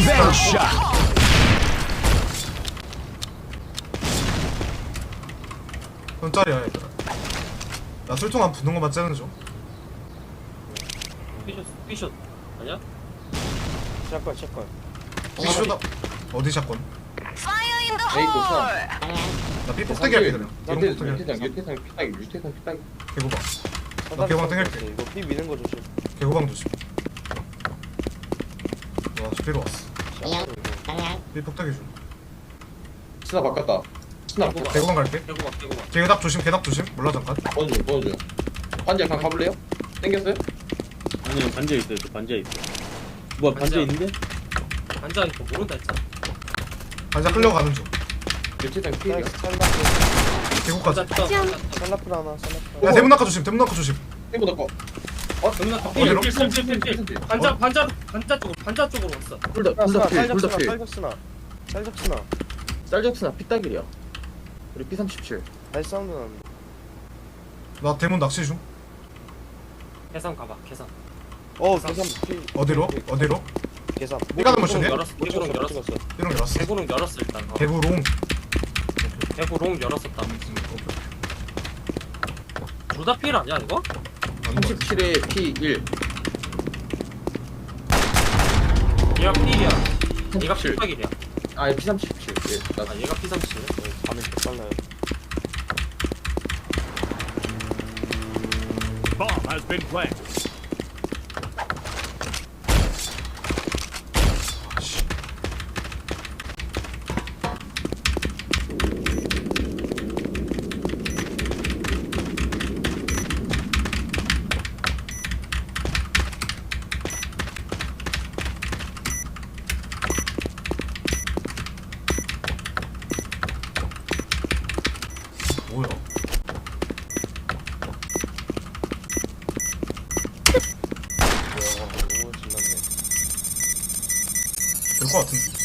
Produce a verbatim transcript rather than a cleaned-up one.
Revenge shot. 손짜리야 얘들아. 나 술통 안 붙는 거 맞지 않은 줘? 피숏 피숏 아니야? 샷건 샷건 삐쇼다. 어디 샷건? 에이 고사 나 삐폭대기 할게 그냥. 이런 유태상 폭대기 할게. 유태상 유태상 피따기 유태상 피따기 개구방. 나 개구방 땡길게. 이거 삐 미는 거 조심. 개구방 조심. 와 스피로 왔어. 삐폭대기 좀. 스나 바꿨다 스나 바꿨다 개구방 갈게. 개구가 개구가 개답 조심 개답 조심. 몰라 잠깐. 번주 번주 반지 약간 가볼래요? 땡겼어요? 아니요 반지에 있어요. 저 반지에 있어. 뭐야 반지에 있는데? 앉아있고 모른다 했잖아. 반자 끌려가는 중. 유태상 피해야 찰라프 개구까지. 앉았다. 찰라프 하나 찰라프. 야 대문 낙하 조심. 대문 낙하 조심. 땡보 넣고 누나 어디로? 필필필필필 반자 반자 반자 쪽으로 반자 쪽으로 왔어. 둘다 쌀 둘다 접스나 필 쌀 접스나 쌀 접스나. 짤적스나 피따길이야 우리 피 삼십칠 다시 사운드 나는데. 나 대문 낚시 중. 계산 가봐 계산. 어 계산 피. 어디로? 어디로? 계산. 삐가는 모션이야? 열었어. 못 개구롱 찍었어 못 열었어. 찍었어. 삐롱 열었어. 개구롱 열었어 일단. 어. 개구롱. 개구롱 열었었다. 둘 다 필 아니야 이거? 삼십칠에 피 일 얘가 필이야. 얘가 필박이야. 아니 피 삼십칠 예, 나 아 얘가 피삼십이네. 밤에 개빨라요. Bomb has been planted. 뭐야? 와 너무 신났네. 될 것 같은데.